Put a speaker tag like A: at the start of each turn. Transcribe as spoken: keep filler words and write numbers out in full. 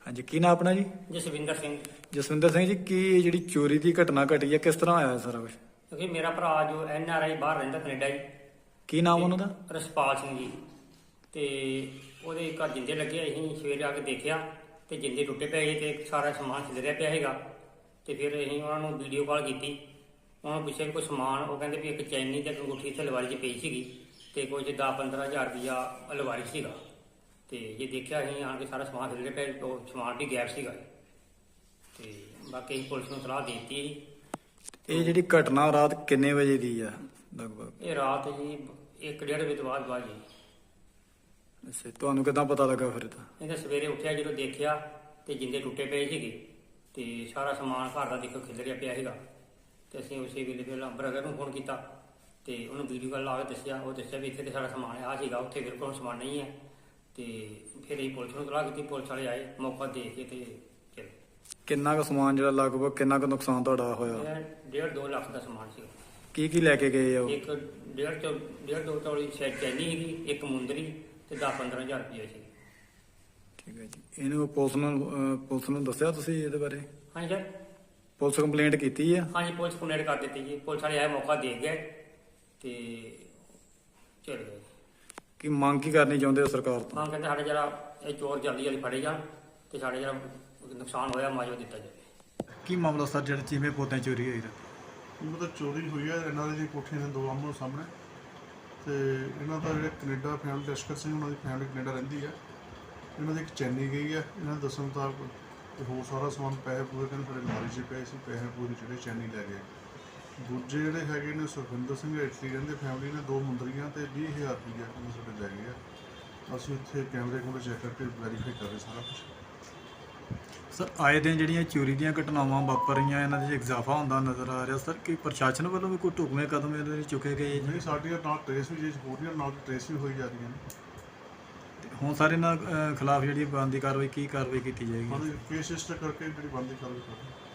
A: ਹਾਂਜੀ, ਕੀ ਨਾਮ ਆਪਣਾ ਜੀ?
B: ਜਸਵਿੰਦਰ ਸਿੰਘ।
A: ਜਸਵਿੰਦਰ ਸਿੰਘ ਜੀ, ਕੀ ਜਿਹੜੀ ਚੋਰੀ ਦੀ ਘਟਨਾ ਘਟੀ ਹੈ, ਕਿਸ ਤਰ੍ਹਾਂ ਹੋਇਆ ਸਾਰਾ ਕੁਝ?
B: ਕਿਉਂਕਿ ਮੇਰਾ ਭਰਾ ਜੋ ਐਨ ਆਰ ਆਈ ਬਾਹਰ ਰਹਿੰਦਾ ਕੈਨੇਡਾ ਜੀ।
A: ਕੀ ਨਾਮ ਉਹਨਾਂ ਦਾ?
B: ਰਸਪਾਲ ਸਿੰਘ ਜੀ। ਤੇ ਉਹਦੇ ਘਰ ਜਿੰਦੇ ਲੱਗੇ, ਅਸੀਂ ਸਵੇਰੇ ਆ ਕੇ ਦੇਖਿਆ ਤੇ ਜਿੰਦੇ ਟੁੱਟੇ ਪਏ ਸੀ ਤੇ ਸਾਰਾ ਸਮਾਨ ਖਿਲਰਿਆ ਪਿਆ ਹੈਗਾ। ਤੇ ਫਿਰ ਅਸੀਂ ਉਹਨਾਂ ਨੂੰ ਵੀਡੀਓ ਕਾਲ ਕੀਤੀ, ਉਹਨਾਂ ਨੂੰ ਪੁੱਛਿਆ ਵੀ ਕੋਈ ਸਮਾਨ, ਉਹ ਕਹਿੰਦੇ ਵੀ ਇੱਕ ਚੈਨੀ ਤੇ ਅੰਗੂਠੀ ਇੱਥੇ ਅਲਮਾਰੀ 'ਚ ਪਈ ਸੀਗੀ ਤੇ ਕੁਝ ਦਸ ਪੰਦਰਾਂ ਹਜ਼ਾਰ ਰੁਪਈਆ ਅਲਮਾਰੀ ਸੀਗਾ। ਤੇ ਜੇ ਦੇਖਿਆ ਅਸੀਂ ਆਣ ਕੇ ਸਾਰਾ ਸਮਾਨ ਖਿਲਰਿਆ ਪਿਆ, ਉਹ ਸਮਾਨ ਵੀ ਗਾਇਬ ਸੀਗਾ। ਤੇ ਬਾਕੀ ਅਸੀਂ ਪੁਲਿਸ ਨੂੰ ਸਲਾਹ ਦੇ ਦਿੱਤੀ ਸੀ।
A: ਇਹ ਜਿਹੜੀ ਘਟਨਾ ਰਾਤ ਕਿੰਨੇ ਵਜੇ ਦੀ ਆ ਲਗਭਗ?
B: ਇਹ ਰਾਤ ਜੀ ਇੱਕ ਡੇਢ ਵਜੇ ਤੋਂ ਬਾਅਦ ਬਾਅਦ ਜੀ।
A: ਅੱਛਾ, ਤੁਹਾਨੂੰ ਕਿੱਦਾਂ ਪਤਾ ਲੱਗਾ ਫਿਰ? ਤਾਂ
B: ਇਹਦਾ ਸਵੇਰੇ ਉੱਠਿਆ ਜਦੋਂ ਦੇਖਿਆ ਤੇ ਜਿੰਦੇ ਟੁੱਟੇ ਪਏ ਸੀਗੇ ਤੇ ਸਾਰਾ ਸਮਾਨ ਘਰ ਦਾ ਦੇਖੋ ਖਿਲਰਿਆ ਪਿਆ ਸੀਗਾ। ਤੇ ਅਸੀਂ ਉਸੇ ਵੇਲੇ ਫਿਰ ਬ੍ਰਦਰ ਨੂੰ ਫੋਨ ਕੀਤਾ ਤੇ ਉਹਨੂੰ ਵੀਡੀਓ ਕਾਲ ਲਾ ਕੇ ਦੱਸਿਆ। ਉਹ ਦੱਸਿਆ ਵੀ ਇੱਥੇ ਤੇ ਸਾਰਾ ਸਮਾਨ ਆ ਸੀਗਾ, ਉੱਥੇ ਬਿਲਕੁਲ ਸਮਾਨ ਨਹੀਂ ਹੈ। ਤੇ ਫਿਰ ਅਸੀਂ ਪੁਲਿਸ ਨੂੰ ਸਲਾਹ ਕੀਤੀ, ਪੁਲਿਸ ਵਾਲੇ ਆਏ, ਮੌਕਾ ਦੇਖ ਕੇ ਤੇ ਚਲੇ।
A: ਕਿੰਨਾ ਕੁ ਸਮਾਨ ਜਿਹੜਾ ਲਗਭਗ ਕਿੰਨਾ ਕੁ ਨੁਕਸਾਨ ਤੁਹਾਡਾ ਹੋਇਆ?
B: ਇਹ ਡੇਢ ਦੋ ਲੱਖ ਦਾ ਸਮਾਨ ਸੀਗਾ।
A: ਕੀ ਕੀ ਲੈ ਕੇ ਗਏ ਆ ਉਹ?
B: ਇੱਕ ਡੇਢ ਤੋਂ ਡੇਢ ਦੋ ਤੋਲੀ ਸ਼ਾਇਦ ਚੈਨੀ ਸੀਗੀ, ਇੱਕ ਮੁੰਦਰੀ ਤੇ ਦਸ ਪੰਦਰਾਂ ਹਜ਼ਾਰ ਰੁਪਏ ਸੀ।
A: ਠੀਕ ਹੈ ਜੀ। ਇਹਨੂੰ ਪੁਲਿਸ ਨੂੰ ਅਹ, ਪੁਲਿਸ ਨੂੰ ਦੱਸਿਆ ਤੁਸੀਂ ਇਹਦੇ ਬਾਰੇ?
B: ਹਾਂਜੀ ਸਰ।
A: ਪੁਲਿਸ ਕੰਪਲੇਂਟ ਕੀਤੀ ਆ?
B: ਹਾਂਜੀ, ਪੁਲਿਸ ਕੰਪਲੇਂਟ ਕਰ ਦਿੱਤੀ ਜੀ। ਪੁਲਿਸ ਵਾਲੇ ਆਏ, ਮੌਕਾ ਦੇ ਗਏ ਤੇ ਚਲੇ ਗਏ।
A: ਕੀ ਮੰਗ ਕੀ ਕਰਨੀ ਚਾਹੁੰਦੇ ਹੋ ਸਰਕਾਰ ਤੋਂ?
B: ਹਾਂ, ਕਹਿੰਦੇ ਸਾਡੇ ਜਿਹੜਾ ਇਹ ਚੋਰ ਜਲਦੀ ਜਲਦੀ ਫੜੇ ਜਾਣ ਤੇ ਸਾਡੇ ਜਿਹੜਾ ਨੁਕਸਾਨ ਹੋਇਆ ਮੁਆਵਜ਼ਾ ਦਿੱਤਾ ਜਾਵੇ।
A: ਕੀ ਮਾਮਲਾ ਸਰ, ਜਿਹੜੇ ਚੀਮੇ ਪੌਦੇ ਚੋਰੀ ਹੋਈ?
C: ਇਹ ਮਤਲਬ ਚੋਰੀ ਹੋਈ ਹੈ ਇਹਨਾਂ ਦੀ ਕੋਠੀਆਂ ਦੇ ਦੋ ਆਮੋ ਸਾਹਮਣੇ। ਤੇ ਇਹਨਾਂ ਦਾ ਜਿਹੜੇ ਕੈਨੇਡਾ ਫੈਮਿਲੀ ਲਸ਼ਕਰ ਸਿੰਘ, ਉਹਨਾਂ ਦੀ ਫੈਮਿਲੀ ਕੈਨੇਡਾ ਰਹਿੰਦੀ ਹੈ। ਇਹਨਾਂ ਦੀ ਇੱਕ ਚੈਨੀ ਗਈ ਹੈ ਇਹਨਾਂ ਦੇ ਦੱਸਣ ਮੁਤਾਬਕ, ਤੇ ਹੋਰ ਸਾਰਾ ਸਮਾਨ ਪੈਸੇ ਪੂਰੇ ਕਹਿੰਦੇ ਸਾਡੇ ਅਲਮਾਰੀ 'ਚ ਪਏ ਸੀ, ਪੈਸੇ ਪੂਰੇ ਜਿਹੜੇ ਚੈਨੀ ਲੈ ਗਏ। ਦੂਜੇ ਜਿਹੜੇ ਹੈਗੇ ਨੇ ਸੁਖਵਿੰਦਰ ਸਿੰਘ ਇਟਲੀ ਰਹਿੰਦੇ ਫੈਮਿਲੀ ਨੇ, ਦੋ ਮੁੰਦਰੀਆਂ ਤੇ ਵੀਹ ਹਜ਼ਾਰ ਰੁਪਈਆ ਕਹਿੰਦੇ ਸਾਡੇ ਲੈ ਗਏ ਆ। ਅਸੀਂ ਇੱਥੇ ਕੈਮਰੇ ਕੋਲ ਚੈੱਕ ਕਰਕੇ ਵੈਰੀਫਾਈ ਕਰ ਰਹੇ ਸਾਰਾ ਕੁਛ।
A: ਸਰ, ਆਏ ਦਿਨ ਜਿਹੜੀਆਂ ਚੋਰੀ ਦੀਆਂ ਘਟਨਾਵਾਂ ਵਾਪਰ ਰਹੀਆਂ, ਇਹਨਾਂ ਦੇ 'ਚ ਇਜ਼ਾਫਾ ਹੁੰਦਾ ਨਜ਼ਰ ਆ ਰਿਹਾ। ਸਰ, ਕੀ ਪ੍ਰਸ਼ਾਸਨ ਵੱਲੋਂ ਵੀ ਕੋਈ ਢੁਕਵੇਂ ਕਦਮ ਇਹਦੇ ਲਈ ਚੁੱਕੇ ਗਏ?
C: ਨਹੀਂ, ਸਾਡੀਆਂ ਨਾਲ ਟਰੇਸ ਵੀ ਜੇ ਹੋ ਰਹੀਆਂ, ਨਾਲ ਟਰੇਸ ਵੀ ਹੋਈ ਜਾ ਰਹੀਆਂ ਨੇ।
A: ਹੁਣ ਸਾਰੇ ਇਹਨਾਂ ਖਿਲਾਫ ਜਿਹੜੀ ਬਣਦੀ ਕਾਰਵਾਈ, ਕੀ ਕਾਰਵਾਈ ਕੀਤੀ ਜਾਏਗੀ?
C: ਹਾਂ, ਕੇਸ ਰਜਿਸਟਰ ਕਰਕੇ ਜਿਹੜੀ ਬਣਦੀ ਕਾਰਵਾਈ ਕਰ ਰਹੇ।